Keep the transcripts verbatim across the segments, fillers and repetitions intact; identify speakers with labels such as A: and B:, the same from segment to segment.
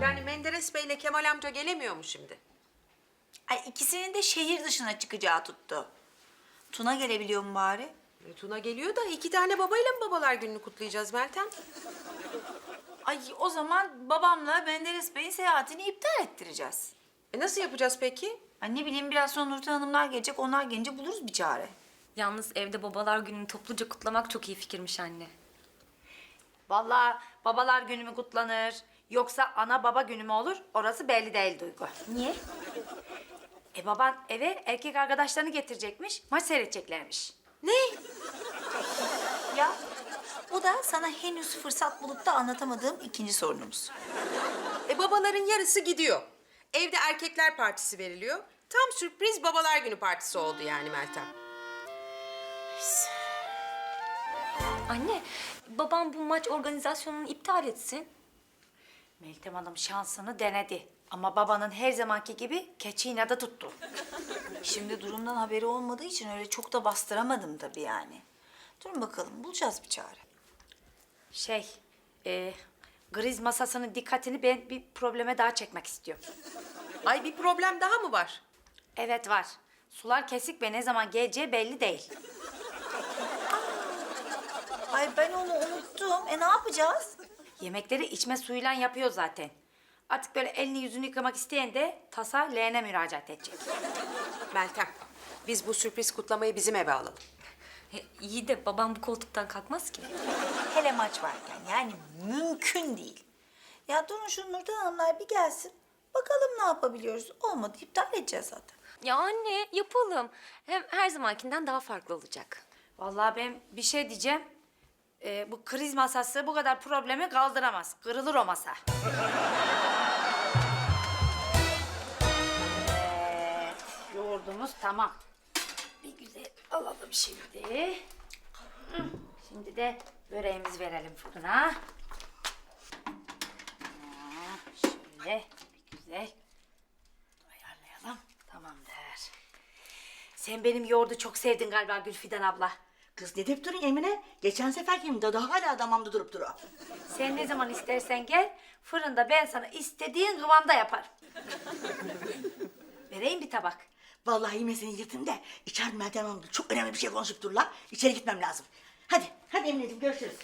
A: Yani Menderes Bey ile Kemal amca gelemiyor mu şimdi?
B: Ay ikisinin de şehir dışına çıkacağı tuttu. Tuna gelebiliyor mu bari?
A: E, Tuna geliyor da iki tane babayla mı babalar gününü kutlayacağız Meltem?
B: Ay o zaman babamla Menderes Bey'in seyahatini iptal ettireceğiz.
A: E nasıl yapacağız peki?
B: Ay ne bileyim biraz sonra Nurten Hanımlar gelecek. Onlar gelince buluruz bir çare.
C: Yalnız evde babalar gününü topluca kutlamak çok iyi fikirmiş anne.
D: Vallahi babalar günü mü kutlanır yoksa ana baba günü mü olur orası belli değil Duygu.
C: Niye?
D: E baban eve erkek arkadaşlarını getirecekmiş, maç seyredeceklermiş.
A: Ne?
B: Ya o da sana henüz fırsat bulup da anlatamadığım ikinci sorunumuz.
A: E babaların yarısı gidiyor. Evde erkekler partisi veriliyor. Tam sürpriz babalar günü partisi oldu yani Meltem.
C: Anne, babam bu maç organizasyonunu iptal etsin.
D: Meltem Hanım şansını denedi ama babanın her zamanki gibi keçi inadı tuttu.
B: Şimdi durumdan haberi olmadığı için öyle çok da bastıramadım tabii yani. Durun bakalım bulacağız bir çare.
D: Şey, e, griz masasının dikkatini ben bir probleme daha çekmek istiyorum.
A: Ay bir problem daha mı var?
D: Evet var. Sular kesik ve ne zaman geleceği belli değil.
B: Ay ben onu unuttum. E ne yapacağız?
D: Yemekleri içme suyuyla yapıyor zaten. Artık böyle elini yüzünü yıkamak isteyen de tasa leğene müracaat edecek.
A: Meltem, biz bu sürpriz kutlamayı bizim eve alalım.
C: E, iyi de babam bu koltuktan kalkmaz ki.
B: Hele maç varken yani mümkün değil. Ya durun şu Nurten Hanımlar bir gelsin. Bakalım ne yapabiliyoruz. Olmadı iptal edeceğiz zaten.
C: Ya anne, yapalım. Hem her zamankinden daha farklı olacak.
D: Vallahi ben bir şey diyeceğim. Ee, bu kriz masası bu kadar problemi kaldıramaz. Kırılır o masa. Evet, yoğurdumuz tamam. Bir güzel alalım şimdi. Hı, Şimdi de böreğimizi verelim fırına. Ha, Şöyle bir güzel ayarlayalım. Tamamdır. Sen benim yoğurdu çok sevdin galiba Gülfidan abla.
E: Kız ne deyip durun Emine? Geçen sefer gibi de daha hala damamda durup duruyor.
D: Sen ne zaman istersen gel, fırında ben sana istediğin kıvamda yaparım. Vereyim bir tabak.
E: Vallahi yemesini yırtın da içeride Meltem Hanım'la çok önemli bir şey konuşup dururlar. İçeri gitmem lazım. Hadi, hadi Emine'ciğim görüşürüz.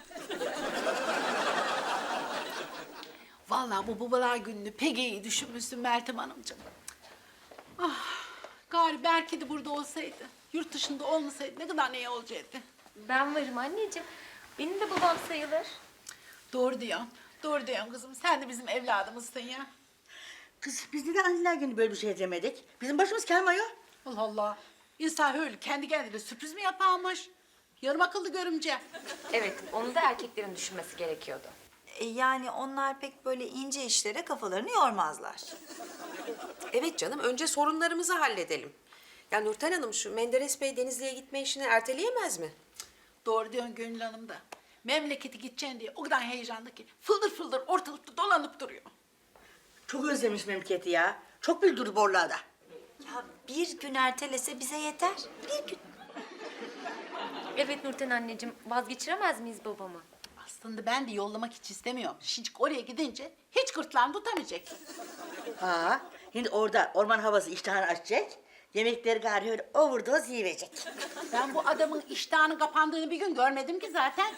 F: Vallahi bu babalar gününü pek iyi düşünmüşsün Meltem Hanımcığım. Ah, gari belki de burada olsaydı, yurt dışında olmasaydı ne kadar iyi olacaktı.
C: Ben varım anneciğim. Benim de babam sayılır.
F: Doğru diyorsun, doğru diyorsun kızım. Sen de bizim evladımızsın ya.
E: Kız biz neden anneler günü böyle bir şey demedik? Bizim başımız kelmiyor.
F: Allah Allah. İnsan öyle kendi kendine sürpriz mi yaparmış? Yarım akıllı görümce.
C: Evet, onu da erkeklerin düşünmesi gerekiyordu.
B: E yani onlar pek böyle ince işlere kafalarını yormazlar.
A: Evet canım, önce sorunlarımızı halledelim. Ya Nurten Hanım şu Menderes Bey Denizli'ye gitme işini erteleyemez mi?
F: Doğru diyorsun Gönül Hanım da. Memleketi gideceksin diye o kadar heyecanlı ki fıldır fıldır ortalıkta dolanıp duruyor.
E: Çok özlemiş memleketi ya. Çok bildirdi borlarda.
B: Ya bir gün ertelese bize yeter. Bir gün.
C: Evet Nurten anneciğim, vazgeçiremez miyiz babamı?
F: Aslında ben de yollamak hiç istemiyorum. Şimdi oraya gidince hiç gırtlağını tutamayacak.
E: Ha, şimdi orada orman havası iştahını açacak. Yemekleri gari öyle overdose yiyecek.
F: Ben bu adamın iştahının kapandığını bir gün görmedim ki zaten.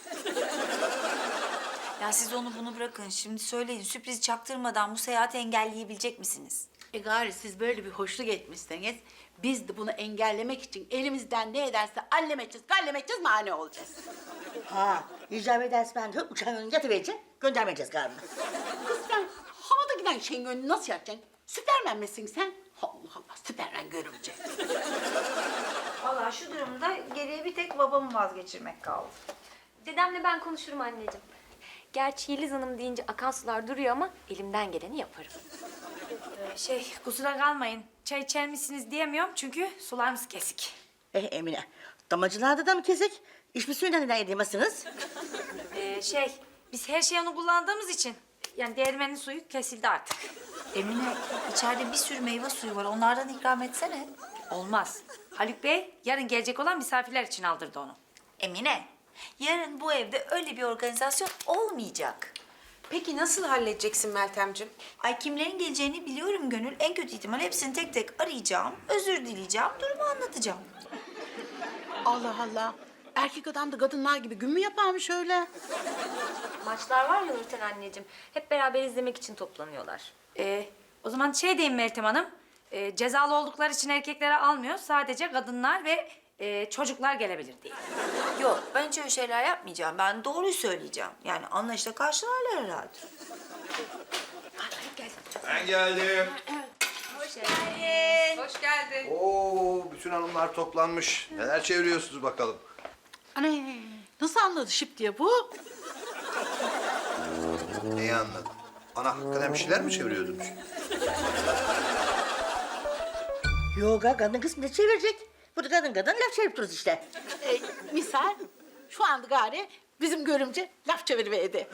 B: Ya siz onu bunu bırakın. Şimdi söyleyin sürpriz çaktırmadan bu seyahati engelleyebilecek misiniz?
F: E gari siz böyle bir hoşluk etmişseniz biz de bunu engellemek için elimizden ne ederse allem edeceğiz, gallem edeceğiz, mani olacağız.
E: Ha, icap ederse ben de uçağın önüne yatıvereceğim. Göndermeyeceğiz galiba.
F: Kız sen havada giden şeyin önünü nasıl yapacaksın? Süpermen misin sen? Allah Allah, süpermen görümce.
B: Vallahi şu durumda geriye bir tek babamı vazgeçirmek kaldı.
C: Dedemle ben konuşurum anneciğim. Gerçi Yeliz Hanım deyince akan sular duruyor ama elimden geleni yaparım.
D: Ee, şey, kusura kalmayın. Çay içer misiniz diyemiyorum çünkü sularımız kesik.
E: Eh Emine, damacılarda da mı kesik? İçme suyundan neden yedemezsiniz?
D: Ee, şey, biz her şeyi onu kullandığımız için yani değirmenin suyu kesildi artık.
B: Emine içeride bir sürü meyve suyu var. Onlardan ikram etsene.
D: Olmaz. Haluk Bey yarın gelecek olan misafirler için aldırdı onu.
B: Emine yarın bu evde öyle bir organizasyon olmayacak.
A: Peki nasıl halledeceksin Meltemciğim?
B: Ay kimlerin geleceğini biliyorum Gönül. En kötü ihtimal hepsini tek tek arayacağım, özür dileyeceğim, durumu anlatacağım.
F: Allah Allah. Erkek adam da kadınlar gibi gün mü yaparmış öyle?
C: Maçlar var ya Nurten anneciğim. Hep beraber izlemek için toplanıyorlar.
D: Ee, o zaman şey diyeyim Meltem Hanım. Ee, cezalı oldukları için erkeklere almıyor. Sadece kadınlar ve e, çocuklar gelebilir diye.
B: Yok, ben hiç öyle şeyler yapmayacağım. Ben doğruyu söyleyeceğim. Yani anlayışla karşılarlar herhalde.
G: Ben geldim.
A: Hoş geldin.
G: Oo, bütün hanımlar toplanmış. Neler çeviriyorsunuz bakalım?
F: Anne nasıl anladı şıp diye bu?
G: Neyi anladın? Ana hakikaten bir şeyler mi çeviriyordunuz?
E: Yok ha, kadın kız ne çevirecek? Burada kadın kadın laf çevirip dururuz işte.
F: Ee, misal şu anda gari bizim görümce laf çeviriverdi.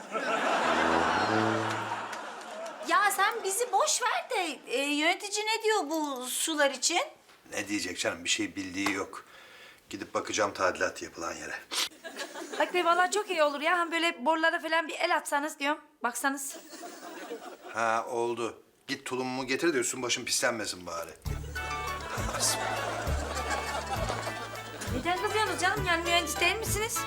B: Ya sen bizi boş ver de e, yönetici ne diyor bu sular için?
G: Ne diyecek canım? Bir şey bildiği yok. Gidip bakacağım tadilat yapılan yere.
D: Bak be vallahi çok iyi olur ya. Hem böyle borulara falan bir el atsanız diyorum. Baksanız.
G: Ha oldu. Git tulumumu getir de üstün başım pislenmesin bari.
D: Neden kızıyorsunuz canım? Yani mühendis değil misiniz?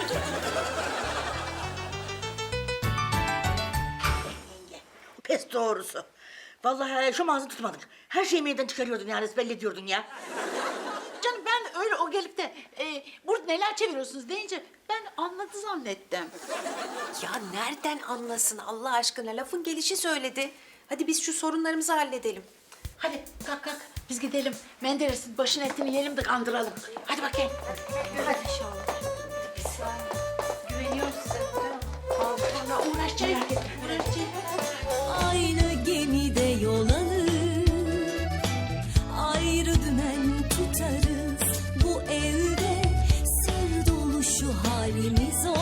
E: Pes doğrusu. Vallahi şu ağzını tutmadık. Her şeyi meydan çıkarıyordun yani, belli ediyordun ya.
F: Canım ben öyle o gelip de e, burada neler çeviriyorsunuz deyince ben anladı zannettim.
A: Ya nereden anlasın Allah aşkına? Lafın gelişi söyledi. Hadi biz şu sorunlarımızı halledelim.
F: Hadi kalk kalk biz gidelim. Menderes'in başın etini yiyelim de kandıralım. Hadi bakayım. Hadi inşallah. Güveniyorum size. Tamam. Allah uğraşacağım. Uğraşacağım.
H: Aynı gemide yol alır, ayrı dümen tutarız. Bu evde sır dolu şu halimiz o.